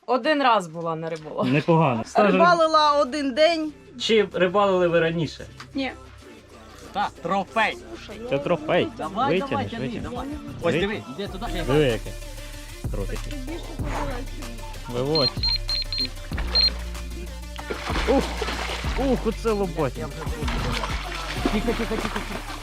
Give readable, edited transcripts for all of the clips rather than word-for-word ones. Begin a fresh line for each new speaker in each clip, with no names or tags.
Один раз була на риболовлі.
Непогано.
Рибалила один день.
Чи рибалили ви раніше?
Ні.
Так, трофей.
Це трофей.
Давай,
Витягнеш,
тяни,
витягнеш.
давай. Ось диви, іди туди.
Диви яке. Трохи. Виводь. Оце лоботя.
Тихо, тихо, тихо.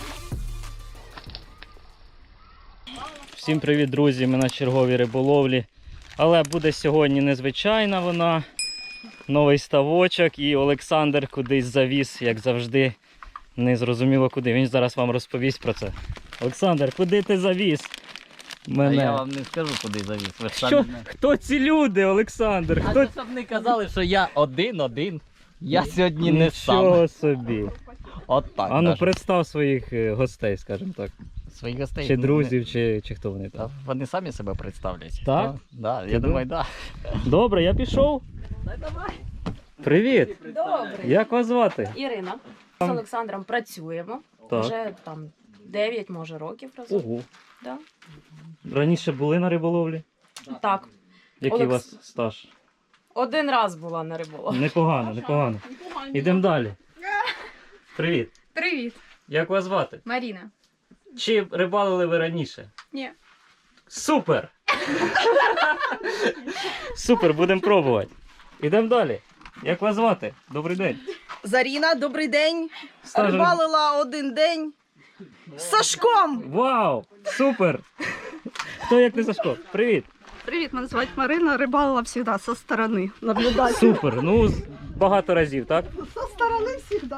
Всім привіт, друзі! Ми на черговій риболовлі. Але буде сьогодні незвичайна вона. Новий ставочок і Олександр кудись завіз, як завжди. Не зрозуміло куди. Він зараз вам розповість про це. Олександр, куди ти завіз? Мене.
А я вам не скажу, куди завіз. Ви ж
Що?
самі не-
Хто ці люди, Олександр?
А
Хто...
це щоб не казали, що я один. Я сьогодні не
Нічого
сам.
собі.
От так.
А ну
даже.
представ своїх гостей, скажімо так.
Своїх гостей.
Чи
ну,
друзів, чи хто вони
Та
там.
вони самі себе представлять.
Так?
Да,
Ти
я думаю, так.
Добре, я пішов. Привіт.
Добре.
Як вас звати?
Ірина. З Олександром працюємо.
Так.
Вже там 9, може, років разом.
Ого.
Да.
Раніше були на риболовлі?
Так.
Який у вас стаж?
Один раз була на риболовлі.
Непогано, непогано. Ідемо далі. Привіт.
Привіт,
Як вас звати?
Маріна.
Чи рибалили ви раніше?
Ні.
Супер! Супер, будемо пробувати. Ідемо далі. Як вас звати? Добрий день.
Заріна, добрий день.
Стажем-
Рибалила один день. З Сашком.
Вау! Супер! Хто як не Сашко? Привіт!
Привіт, мене звати Марина. Рибалила завжди зі сторони. Наблюдати.
Супер! Ну, багато разів, так?
Зі сторони завжди.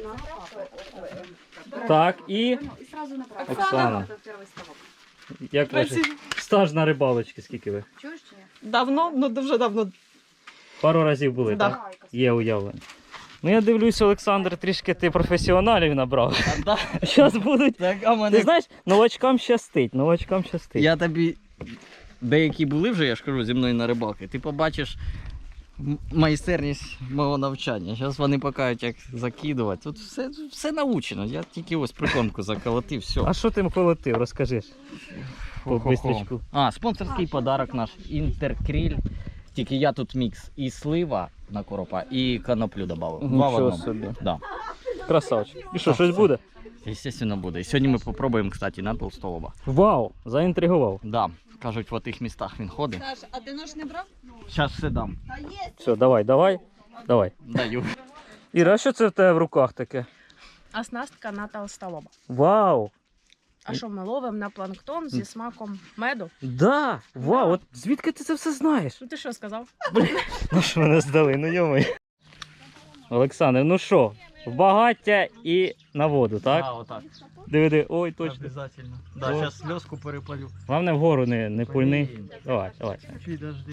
Так, і Оксана. Як ваш стаж на рибалочці, скільки ви?
Давно, ну дуже давно.
Пару разів були,
Да.
так? Є уявлення. Ну я дивлюсь, Олександр, трішки ти професіоналів набрав. Зараз будуть.
Так, а
Ти
мене...
знаєш, новачкам щастить, новачкам щастить.
Я тобі... Деякі були вже, я ж кажу, зі мною на рибалки. Ти побачиш майстерність мого навчання. Зараз вони покажуть, як закидувати. Тут все научено. Я тільки ось прикормку заколотив, все.
А що ти колотив, розкажи ж. По бистрячку.
А, спонсорський подарок наш Інтеркріль. Тільки я тут мікс і слива на коропа, і коноплю додав. Два в
Нічого
одному.
собі.
Да.
Красавчик. І що, щось буде?
Естественно, буде. І сьогодні ми попробуємо, кстати, на толстолоба.
Вау, заінтригував.
Да. Кажуть, в тих містах він ходить.
Саш, а ти нож не брав?
Зараз все дам.
Та є.
Все, давай.
Даю.
Іра, а що це в тебе в руках таке?
Оснастка на толстолоба.
Вау!
А що ми ловимо на планктон зі смаком меду?
Да! Вау, от звідки ти це все знаєш?
Ну ти що сказав?
Ну що мене здали, ну йомай. Олександр, ну що, в багаття і на воду, так?
А, отак.
Диви, ой, точно.
Обязательно. Да,
О.
зараз сльозку перепалю.
Головне вгору не пульни.
Блін.
Давай.
Підожди.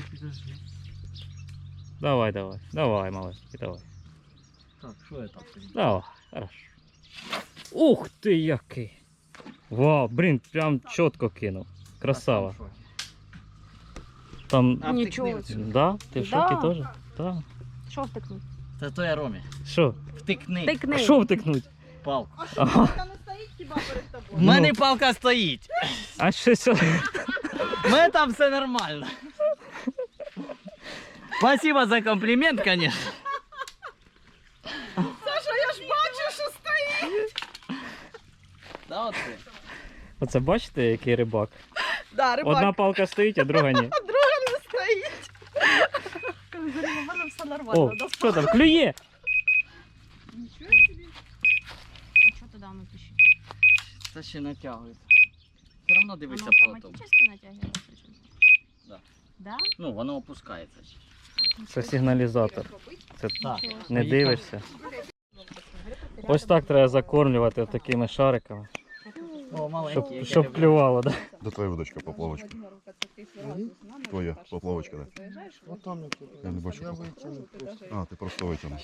Давай, малышки, давай.
Так, що я там?
Давай, хорошо. Ух ти який! Вау, блін, прям чітко кинув. Красава. Там,
А
Нічого.
втикни оцю.
да? Ти в шокі
Да.
теж? Так.
Що втикнути?
Це то я Ромі.
Що?
Втикни
Тикни.
А що втикнуть?
палку.
Ага.
Та не стоїть хіба перед тобою?
В мене палка стоїть.
А щось.
У мене там все нормально. Спасибо за комплімент, конечно.
Саша, я ж бачу, що стоїть.
Да, от це.
Оце бачите, який рибак?
Да, рибак.
Одна палка стоїть, а друга ні.
А друга не стоїть.
У мене все
О,
нормально.
що там, клює?
А що туди воно пишіть?
Це ще натягується. Все одно дивися
Воно
потом.
автоматично натягується? чи ні?
Да.
Да?
Ну, воно опускається.
Це сигналізатор. Це
Так.
не дивишся. Ось так треба закормлювати такими шариками,
О, маленький.
щоб клювало. Да?
Да твоя удочка, поплавочка. Твоя поплавочка, да? Я не бачу. А, ти просто витягнув.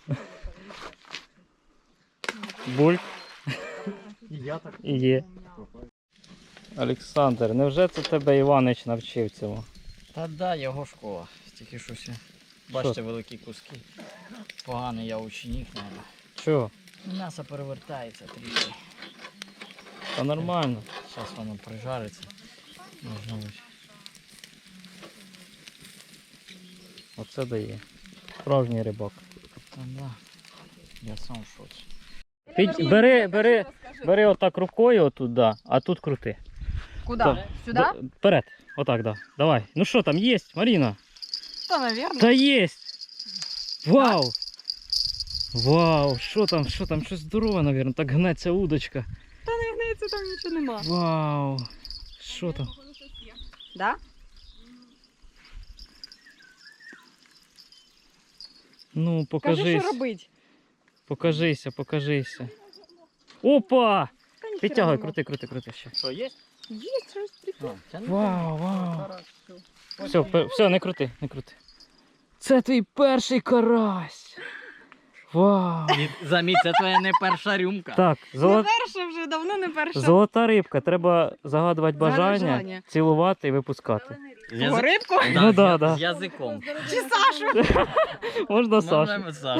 Бульк
І я так.
і є. Олександр, невже це тебе Іванич навчив цьому?
Та да, його школа. Тільки щось. Бачите, великі куски. Поганий я ученик, мабуть.
Чого?
М'ясо перевертається трішки.
Та нормально.
Зараз воно прижариться. Можна ось.
Оце дає. Справжній рибак.
Да. Я сам в шоці.
Ти бери отак рукою отут, да, а тут крути.
Куда? Сюда?
Вперед. Отак, да. Давай. Ну що там, є, Маріна?
Да, наверное.
Та є! Вау! Вау! Що там? Щось здорове, мабуть. Так гнеться удочка.
Та не гнеться, там нічого нема.
Вау! Що там?
Да?
Ну,
Кажи,
покажись.
що робить.
Покажися. Опа!
Та ніхера
Підтягуй,
нема.
крути ще.
Що, є?
Є щось прикольне.
Вау! Все, не крути. Це твій перший карась! Вау!
Заміть, це твоя не перша рюмка.
Так,
Не перша вже, давно не перша.
золота рибка. Треба загадувати бажання,
бажання.
цілувати і випускати.
Кого, рибку?
Ну да.
З язиком.
Чи Сашу?
Можна Сашу.
Можемо Сашу.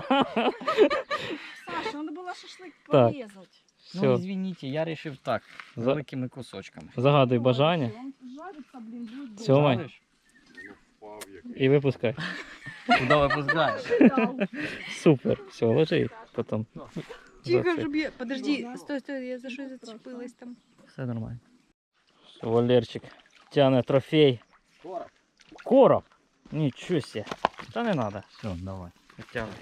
Саша, треба було шашлик
Так.
порізати.
Ну,
Все,
извините, я вирішив так,
За-
великими кусочками.
загадуй бажання,
Жариться, блін, буде.
цьомай
Жариш?
і випускай.
Куди випускаєш?
Супер. Все, ложи потім.
Тихо, щоб я... Подожди, стой, я за щось зачепилась там.
Все нормально. Все, Валерчик тягне трофей. Короб. Нічого себе. Та не треба.
Все, давай.
Витягуй.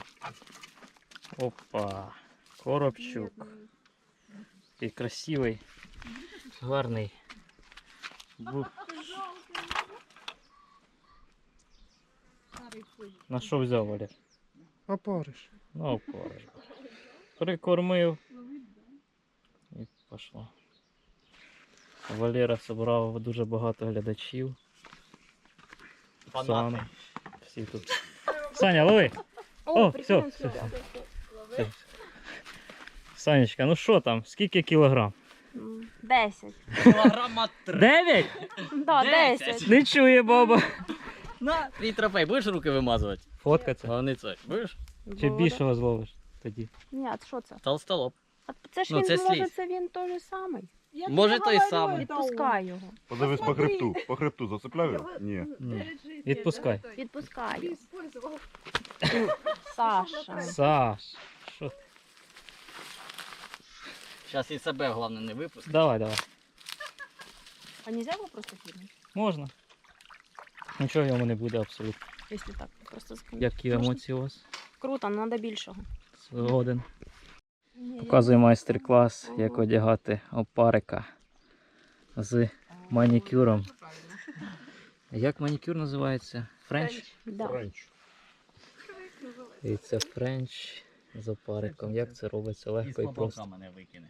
Опа. Коробчук. Такий красивий. Гарний. На що взяв, Валер?
Опариш.
Ну, опариш. Прикормив. І пішло. Валера зібрав дуже багато глядачів. Оксана. Всі тут. Саня, лови! О, все. Санечка, ну що там? Скільки кілограм?
10.
Кілограма 3.
9?
Да,
10.
10.
Не чує баба.
На, твій трофей. Будеш руки вимазувати?
Фоткаться.
Головне це. Будеш?
Чи більшого зловиш тоді?
Ні, а що це?
Толстолоб.
А це ж
Ну,
він,
це
може,
слід.
це він той самий.
Може той самий.
Відпускай його.
Подивись по хребту зацепляю? Ні.
Відпускай.
Відпускай його. Саша.
Саш. Що ти?
Зараз і себе, головне, не випусти.
Давай.
А нельзя його просто кинути?
Можна. Нічого йому не буде абсолютно.
Якщо так, просто скинути.
Які емоції у вас?
Круто, але треба більшого.
Згоден. Показую майстер-клас, як одягати опарика з манікюром. Як манікюр називається? Френч?
Да.
Френч.
І це френч з опариком. Як це робиться легко і просто.
мене викине.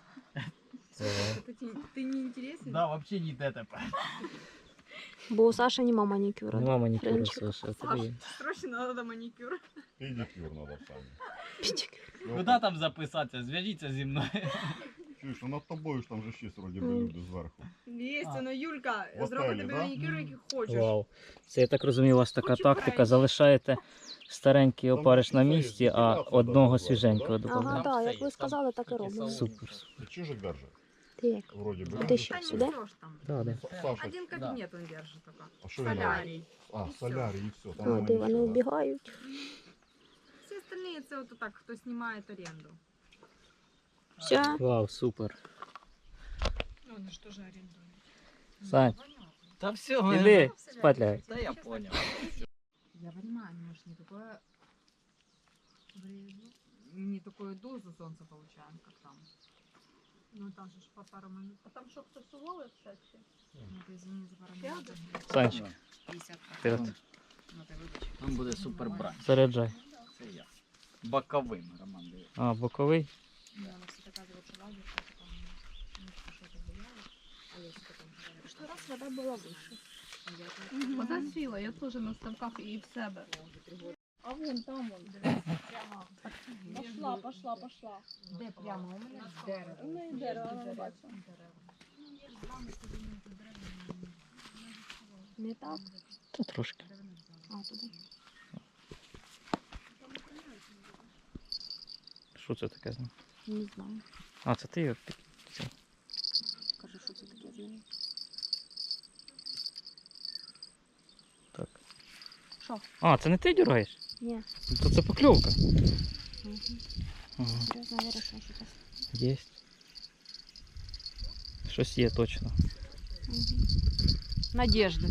Ти не інтересний?
Да, взагалі ніде тепер.
Бо у Саші нема манікюра.
Нема манікюру,
Френчик.
Саша. а тобі є.
Срочно треба манікюр.
Педикюр надо саме.
Куди там записатися? Зв'яжіться зі мною.
Чуєш, а над тобою ж там же ще вроді би люди зверху.
Є, ну Юлька,
В
зроби
готелі,
тобі
да?
манікюр, який хочеш.
Вау. Це я так розумію, у вас така
Хочу
тактика.
френч.
Залишаєте старенький
Там
опариш на
це
місці,
є,
а
декорація
одного
така
свіженького
називається,
Ага,
додаєте.
Там
так,
все
як ви
є,
сказали,
там
так і
такі
робимо.
салони.
Супер.
Ти чижик держи?
Ти як?
Вроді би.
А ти що, сюди?
Да.
Саша,
Один кабінет він держить тільки.
а що він робить?
Солярій.
А, солярій і все.
А, де вони убігають?
Всі остальні це от так, хто знімає оренду.
Все.
Вау, супер.
Ну, вони ж теж орендують.
Сань,
Та все,
іди спать лягай.
Та я понял.
Я понимаю, может, не такое не такую дозу солнца получаем, как там. Ну там же ж по пару минут. А там что, кто сувал кстати? Ну ты извини за пару минут.
Санечка,
50
вперед.
Ну ты выбачь.
Там буде супер брань.
Заряджай.
Це я. Боковим, Роман, дивись.
А, боковий.
Да, она все доказывает, что лагерь, что там что-то влияло. А я что там говорю? Что раз вода была выше.
Вода сіла, я теж на ставках і в себе.
А вон там вон. Пошла.
Де прямо у мене дерево.
Ну і дерево, вона бачила. Не так?
Та трошки.
А, туди.
Що це таке?
Не знаю.
А, це ти його
Кажи, що це таке з нею.
Так.
Що?
А, це не ти дергаєш?
Ні.
Ну, то це покльовка.
Угу.
Ага.
Зараз навірю, що щось.
Є. Щось є точно.
Угу. Надежди.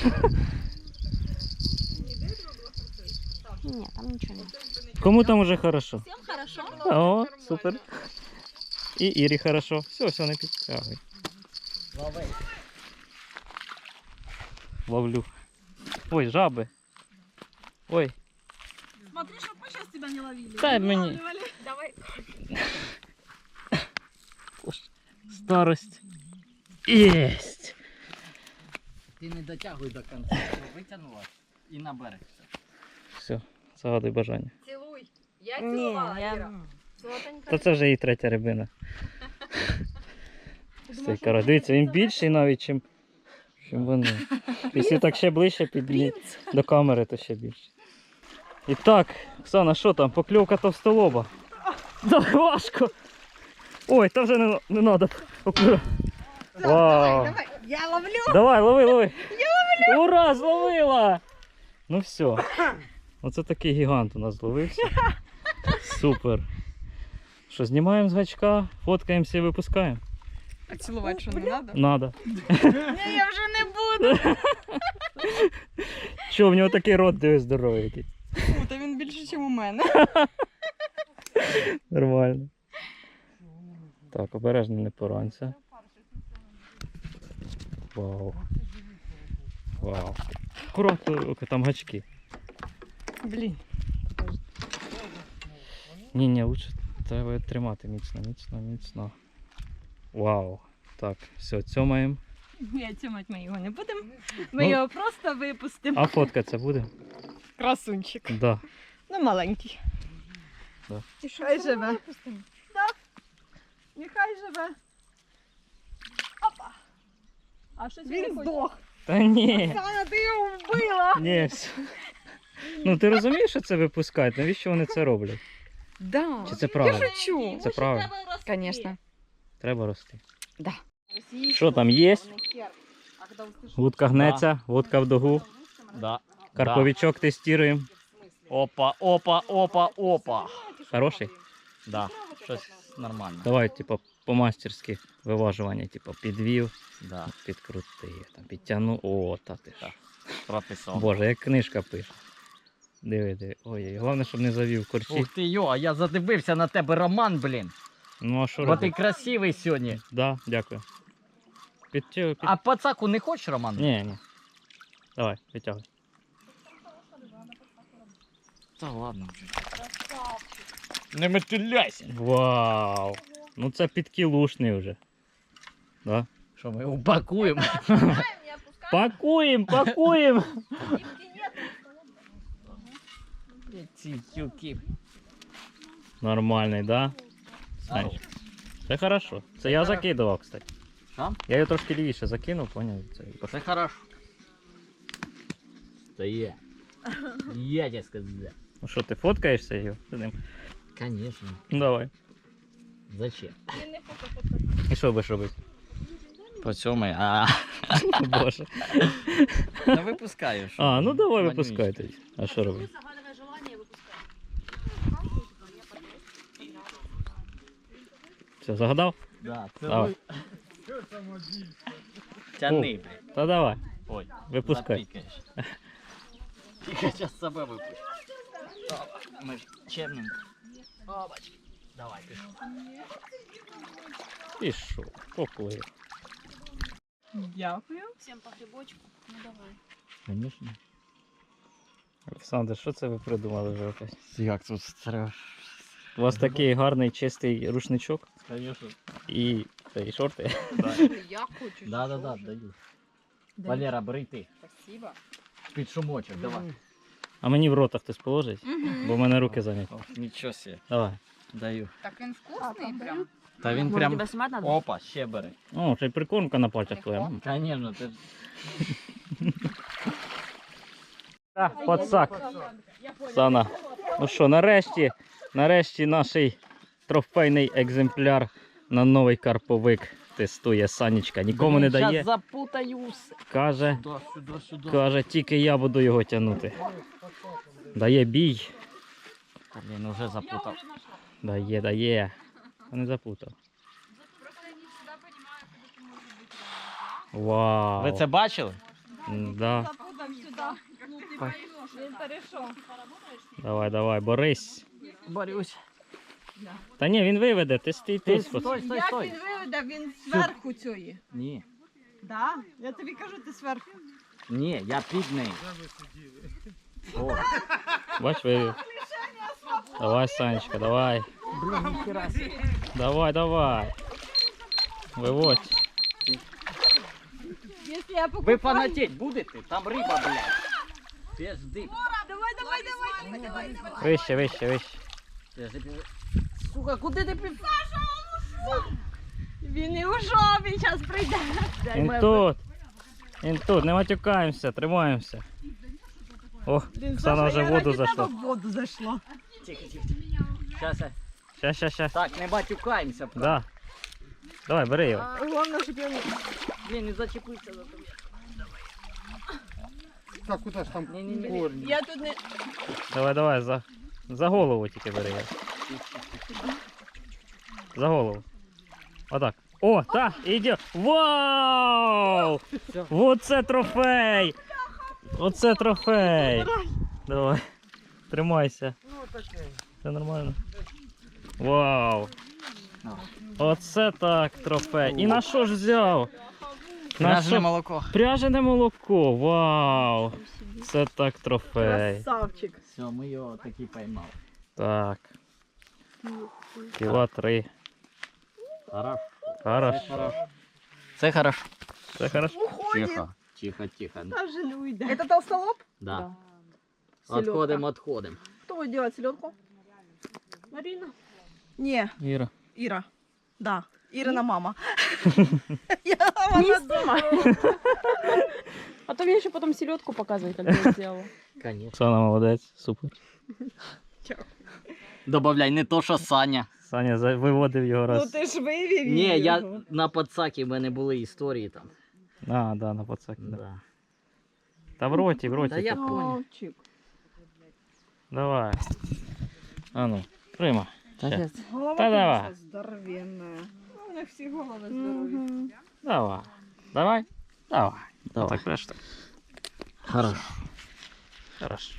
Ні, там нічого немає.
Кому там уже хорошо?
Всім хорошо?
О, супер. І Ірі хорошо. Все, не підтягуй. Ловлю. Ой, жаби. Ой.
Смотри, чтоб мы сейчас тебя не ловили.
Дай мені.
Давай.
Старость. Єсть.
Ти не дотягуй до кінця, витягнула і на берег.
Все, загадуй бажання.
Целуй. Я
Ні,
целовала,
я...
Ира. Золотенька.
Та це вже і третя рибина. Цей карась. Дивіться, він більший навіть, чим вони. Якщо так ще ближче до камери, то ще більше. І так, Оксана, що там? Покльовка товстолоба. Да, важко. Ой, та вже не треба покльовка. Вау.
Я ловлю.
Давай, лови. Я ловлю. Ура, зловила. Ну все. Оце такий гігант у нас зловився. Супер. Що, знімаємо з гачка, фоткаємося і випускаємо?
А целовать что, не надо?
Надо.
Ні, я вже не буду.
Що, в нього такий рот дивись здоровий який.
Та він більше, ніж у мене.
Нормально. Так, обережно не поранься. Вау. Вау. Акуратно, там гачки.
Блін.
Ні, лучше треба тримати міцно. Вау. Так, все, цьомаємо.
Ні, цьомать ми його не будемо.
Ну.
Ми його просто випустимо.
А фотка це буде?
Красунчик.
Да.
Ну, маленький.
Да.
Хай живе. Так. Нехай живе. Опа. А щось
Він здох.
Та ні.
Саня, ти його вбила.
Ні. все. Ну ти розумієш, що це випускають? Навіщо вони це роблять?
Да.
Чи це правильно?
Шучу.
Це правильно.
Конечно.
Треба рости.
Да.
Що там є? Вудка гнеться, вудка в дугу.
Да.
Карповичок тестуємо.
Опа.
Хороший?
Да, щось нормально.
Давай, типу, по-мастерськи виважування, типу, підвів,
Да,
підкрутив, там, підтягнув. О, та ти ж.
прописав.
Боже, як книжка пише. Диви. Ой, головне, щоб не завів корчі.
Ух ти йо, а я задивився на тебе, Роман, блін.
Ну а що
Бо ти
робити?
красивий сьогодні.
Да, дякую.
А пацаку не хочеш, Роман?
Ні. Давай, витягуй.
Та ладно вже. Не метуляйся.
Вау! Ну це підкілушний вже. Да?
Що ми упакуємо?
Пакуємо!
Ці тюки.
Нормальний, да? Знаєш. Це хорошо. Це я закидував, кстати.
Що?
Я його трошки лівіше закинув, поняв?
Це хорошо. Це є. Я тебе сказав.
Ну що, ти фоткаєшся його з ним?
Конечно.
Ну давай.
Зачем?
І що будеш робити?
По цьому,
О, Боже.
Та випускаю. що?
А, ну давай
Манюнечка.
випускай тоді. А що робити? Все, загадав?
Да, це
Давай.
Тяни, блін.
Та давай,
Ой,
випускай.
запікаєш. Тільки зараз себе випущу. Ми ж чемненько. Обачки. Давай, пішов.
Пішов, поплив.
Дякую.
Всім по грибочку. Ну давай.
Звісно. Олександр, що це ви придумали вже опять?
Як тут треба?
У вас такий гарний чистий рушничок
Конечно.
і шорти.
Я хочу.
Да, даю. Валера, бери ти.
Спасибо.
Під шумочок, давай.
А мені в рота хтось положить, бо в мене руки зайняті.
Нічого себе.
Давай.
Даю.
Так він вкусний прям.
Та він
Може,
прям...
тебе знімати надо?
Опа, ще бери.
О, ще й прикормка на пальцях твоя.
Конечно, ти...
Так, пацак. Сана. Ну що, нарешті наш трофейний екземпляр на новий карповик тестує Санечка. Нікому не дає.
Зараз запутаюсь.
Каже,
Сюди.
каже, тільки я буду його тягнути. Дає бій.
Блін, уже запутав.
Дає. Не запутав. Вау.
Ви це бачили?
Да. Давай, борись.
Борюсь.
Та ні, він виведе, ти стій
Ти
тут.
стой.
виведе, він зверху цієї.
Ні.
Да? Я тобі кажу, ти зверху.
Ні, я під нею. О,
Бач, вивів. Давай, Санечка, давай.
блін, ніхера собі.
Давай. Виводь.
Якщо я
Ви фанатеть будете? Там риба, блядь. Пізди.
Вище.
Сука, куди ти пів...
Він і ушов, він зараз прийде.
Він тут, не матюкаємося, тримаємося. О, Оксана вже в воду зайшла.
В воду зайшла.
Тихо. Щас.
Щас.
Так, не батюкаємося.
Да. Давай, бери його.
Головне, щоб я не...
Блін, не зачепився за тобі.
Так, куди ж там
Ні.
корні?
Я тут не...
Давай, за голову тільки бери його. За голову. Отак. О, так, іде. Вау! Оце трофей! Оце трофей! Давай, тримайся. Все нормально. Вау! Оце так трофей. І на що ж взяв?
Пряжене молоко.
Пряжене молоко. Вау! Це так трофей.
Красавчик.
Все, ми його таки поймали.
Так. Кіла 3. Хорошо.
Це хорошо.
Це хорошо.
Тихо.
Даже не уйде. Это толстолоб?
Да.
Селедка.
Отходим.
Кто будет делать селедку? Марина. Не,
Іра.
Ира. Да, Ирина мама.
Не снимай. А то мне еще потом селедку показывай, как я сделала.
Конечно.
Оксана молодець, супер.
Добавляй, не то, що Саня.
Саня виводив його раз.
ти ж вивів
Ні, я на подсакі, в мене були історії там.
А, да, на пацаки. Да.
Да.
Та в роті.
Та я
типу.
понял.
Давай. А ну, прийма. Ще.
Голова,
Та давай.
конечно, здоровенная. У них всі голови здорові.
Давай. Так, преш так.
Хорошо.
Хорошо.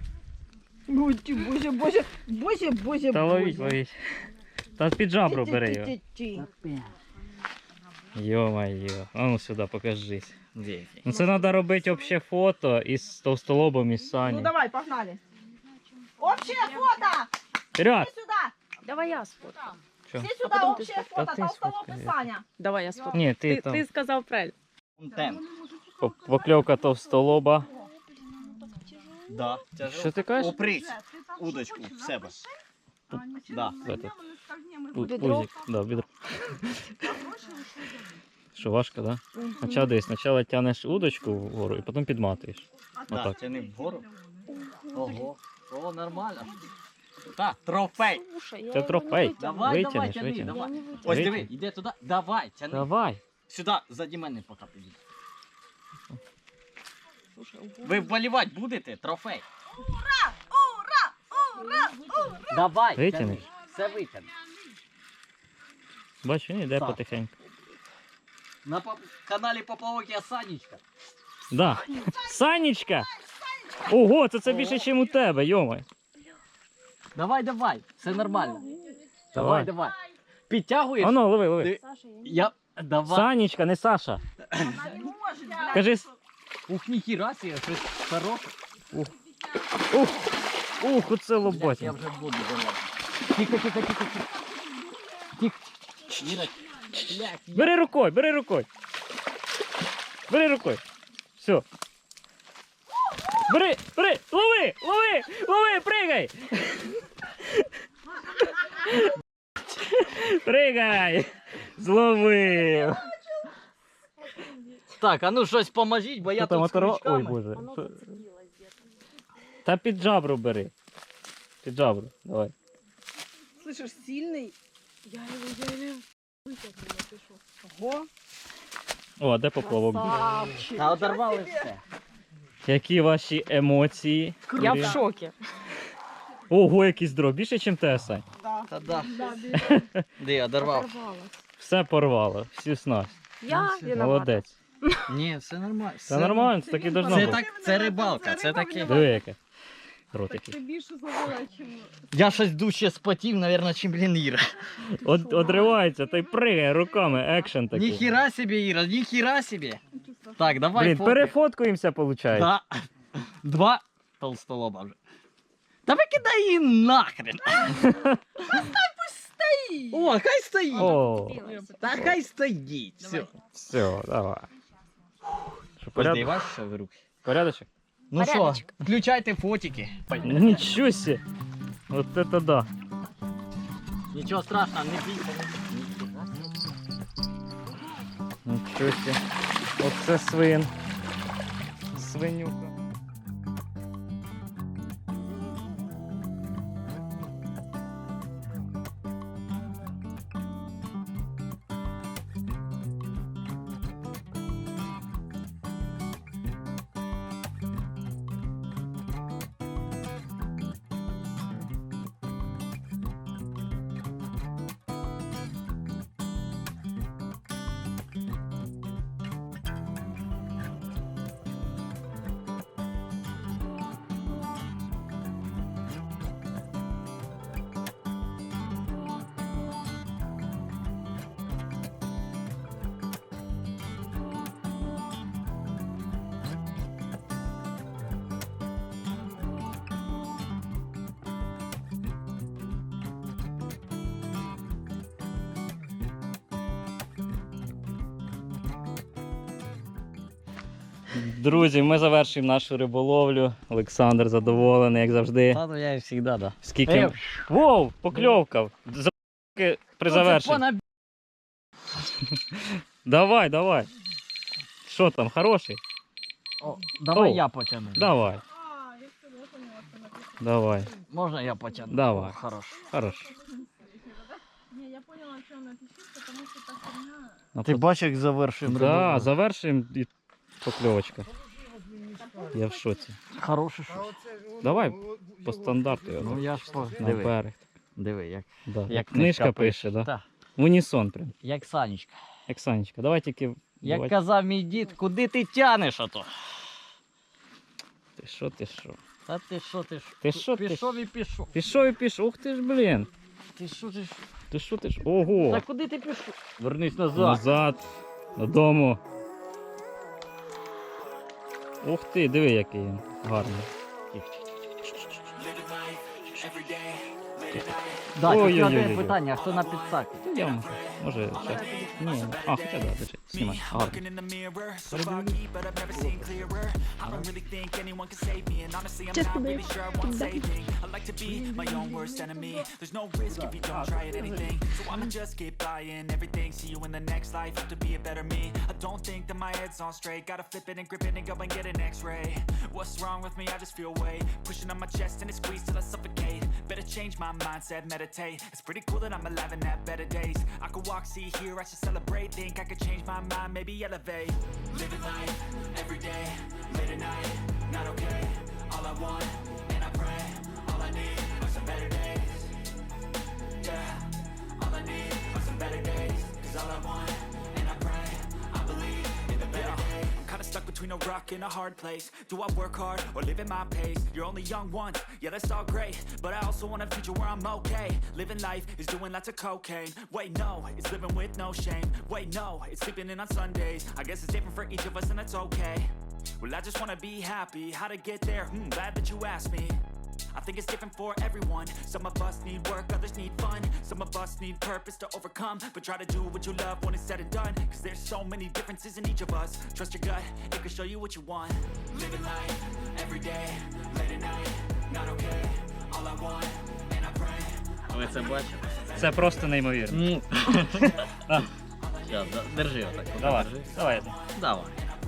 Боже.
Та ловіть. Та під жабру бери його. Йо-моє. А ну сюди, покажись. Ну це треба робити обще фото із товстолобом і з Сані.
Ну давай, погнали. Общее фото!
Вперед!
Все сюда!
Давай я сфоткаю.
Що?
Все сюда,
потом ты
общее
сфоткай.
фото,
Да ты
толстолоб и
сфоткай.
Саня.
Давай я сфоткаю.
Ні, ти там.
Ты сказал правильно.
Контент.
Покльовка товстолоба.
Да.
Що ти кажеш?
Упрись удочку в себе. Да.
В этот.
Бедро?
Пузик. Да, бедро. Що важко, да? Спочатку тянеш удочку вгору і потім підматуєш.
Да,
Отак.
тяни вгору. Ого. О, нормально. Так, трофей.
Слушай, я
Це
его
трофей.
не вытягну.
Давай,
Витягнеш,
тяни,
витягнеш.
давай.
Я не вытягну.
Ось диви,
Витягни.
іди туди. Давай, тяни.
Давай.
Сюди, заді мене поки підійди.
Слушай, ого.
Ви вболівати будете? Трофей. Давай,
Витягнеш?
тяни. Все витягни.
Бачиш, він йде
Так.
потихеньку.
На каналі Поплавок я Санечка.
Да. Санечка! Ого, це більше, ніж у тебе, йомай.
Давай, все нормально.
Давай.
Давай. Підтягуєш?
Ану, лови.
Ти-
Саша, я не
Я... Давай.
Санечка, не Саша. Кажи,
Ух, ніхіра себе, щось хороше.
оце
Блядь, я
лоботя.
вже в воду залазив. Тихо. Тихо. Іра, блядь,
Бери рукою. Все. Бери, лови, пригай. Пригай. Зловив.
Так, а ну щось поможіть, бо я
Що там,
тут з
оторва- Ой,
крючками.
боже.
Оно зацепилось где-то.
Та під жабру бери. Давай.
Слышишь, сильный.
Я его Ого,
О, а де поплавок?
красавчик.
Та одорвали все.
Які ваші емоції?
Я в шокі.
Ого, який здоров. Більше, ніж те, Сань.
Та да. Де, одорвав?
Все порвало, всю снасть.
Я виновата.
Молодець.
Ні, все нормально.
Це нормально, це так і должно
Це
бути.
так, це рибалка, це таке.
Диви яке. Ротики.
більше зловила, чим...
Я щось дужче спотів, мабуть, чим блін Іра.
Одривається та й пригає руками, екшен такий.
Ніхіра собі, Іра, ніхіра собі. Так, давай
Блін,
фотки.
перефоткуємося, виходить.
Да. Два толстолоба вже. Та викидай її нахрен. О, хай стоїть.
О,
Та хай стоїть. Все.
все, давай. Що,
Подивай,
порядок?
що в руки.
Порядочок?
Ну що, включайте фотики.
Нічого себе. От це да.
Нічого страшного, не бійся.
Нічого себе. Оце свин. Свинюка. Друзі, ми завершуємо нашу риболовлю. Олександр задоволений, як завжди.
Та, ну я і завжди, да.
Скільки. Воу, покльовка. При завершенні. Давай, давай. Що там, хороший?
О, давай
О.
я потягну.
Давай. Давай.
Можна я потягну?
Давай.
О, хорош.
Хорош.
Не, я поняла, что она пищит, потому что та херня...
Ну,
Ти бачиш, як завершуємо
Да,
риболовлю?
завершуємо і покльовочка. Я в шоці.
Хороше
А
що.
оце ж воно-
Давай,
воно-
По стандарту
Ну
його.
я ж по...
На
Диви,
берег.
диви, як,
Да.
як
Книжка пише, да?
Так,
В унісон прям.
як Санечка.
Як Санечка. Давай тільки.
Як
Давай.
казав мій дід, куди ти тянеш ото?
Ти що, ти що?
Та ти що, ти що?
Ти що, ти
Пішов і пішов.
Пішов і пішов. Ух ти ж, блін.
Ти що, ти що?
Ти що, ти ж? Ого.
Та куди ти пішов? Вернись назад.
Назад. Додому. Ух ти, диви, який він гарний.
Да, тільки
Ой-ой-ой-ой.
одне питання, а хто на підсакі?
Та я можу. Може, ще. Ні. А, хоча да, держи. Знімай. Гарно.
Looking in the mirror, so foggy, but I've never seen clearer. I don't really think anyone can save me, and honestly, I'm not really sure I want saving. I like to be my own worst enemy. There's no risk if you don't try at anything, so I'ma just keep buying everything. See you in the next life, have to be a better me. I don't think that my head's on straight. Gotta flip it and grip it and go and get an X-ray. What's wrong with me? I just feel weight pushing on my chest and it squeezes till I suffocate. Better change my mindset, meditate. It's pretty cool that I'm alive and have better days. I could walk, see, hear, I should celebrate. Think I could change my mind, maybe elevate. Living life every day, late at night, not okay. All I want, and I pray, all I need are some better days. Yeah, all I need are some better days. Cause all I want, and I pray, I believe in the better days. I'm kinda stuck between a rock and a hard place. Do I work hard or live at my pace? You're only young once, yeah that's all great, but I also want a future where I'm okay. Living life is doing lots of cocaine. Wait no, it's living with no shame. Wait no, it's sleeping in on Sundays. I guess it's different for each of us and that's okay. Well I just wanna be happy, how to get there? Glad that you asked me. I think it's different for everyone. Some of us need work, others need fun. Some of us need purpose to overcome. But try to do what you love when it's said and done. Cause there's so many differences in each of us. Trust your gut, it can show you what you want. Living life, every day, late at night, not okay. All I want, and I pray.
Ви це бачите?
Це просто неймовірно.
Щас, держи отак.
Давай,
Держи.
давай.
Давай.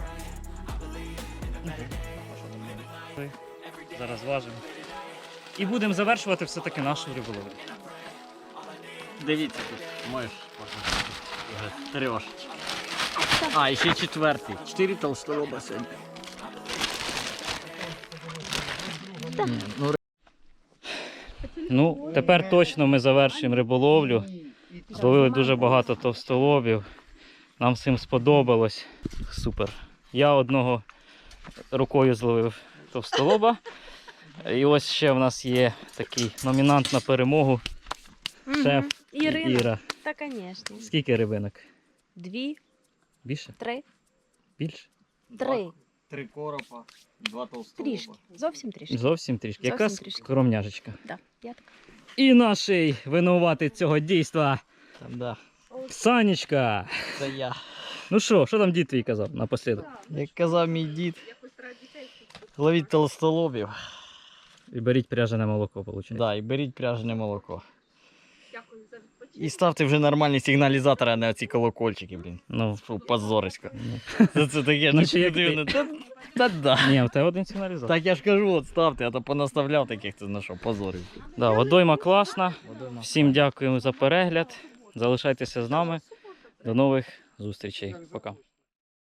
Зараз важимо. І будемо завершувати все-таки нашу риболовлю.
Дивіться тут, можеш показати. уже 3. А, і ще 4. 4 толстолоба сьогодні. Ні, ну,
Ну, тепер точно ми завершуємо риболовлю. Зловили дуже багато товстолобів. Нам всім сподобалось. Супер. Я одного рукою зловив товстолоба. І ось ще в нас є такий номінант на перемогу. Шеф Іра.
Та, звісно.
Скільки рибинок?
2,
Більше?
3,
Більше?
3.
3 коропа, 2 толстолоба.
Трішки. Зовсім трішки.
Зовсім трішки.
Зовсім
Яка
трішки.
скромняжечка.
Да, я так.
І наший винуватий цього дійства
Да,
Санечка.
це я.
Ну що там дід твій казав напослідок?
Як казав мій дід, ловіть толстолобів.
І беріть пряжене молоко, виходить.
Да, і беріть пряжене молоко. І ставте вже нормальні сигналізатори, а не оці колокольчики, блін.
Ну,
Фу, позорисько.
Ну.
Це таке,
Ну,
ну
чи як ти?
дивно. Та-да.
ні, в тебе один сигналізатор.
Так я ж кажу, от ставте, а то понаставляв таких, ти знайшов, позорів.
Да, водойма класна. Всім дякуємо за перегляд. Залишайтеся з нами. До нових зустрічей. Пока.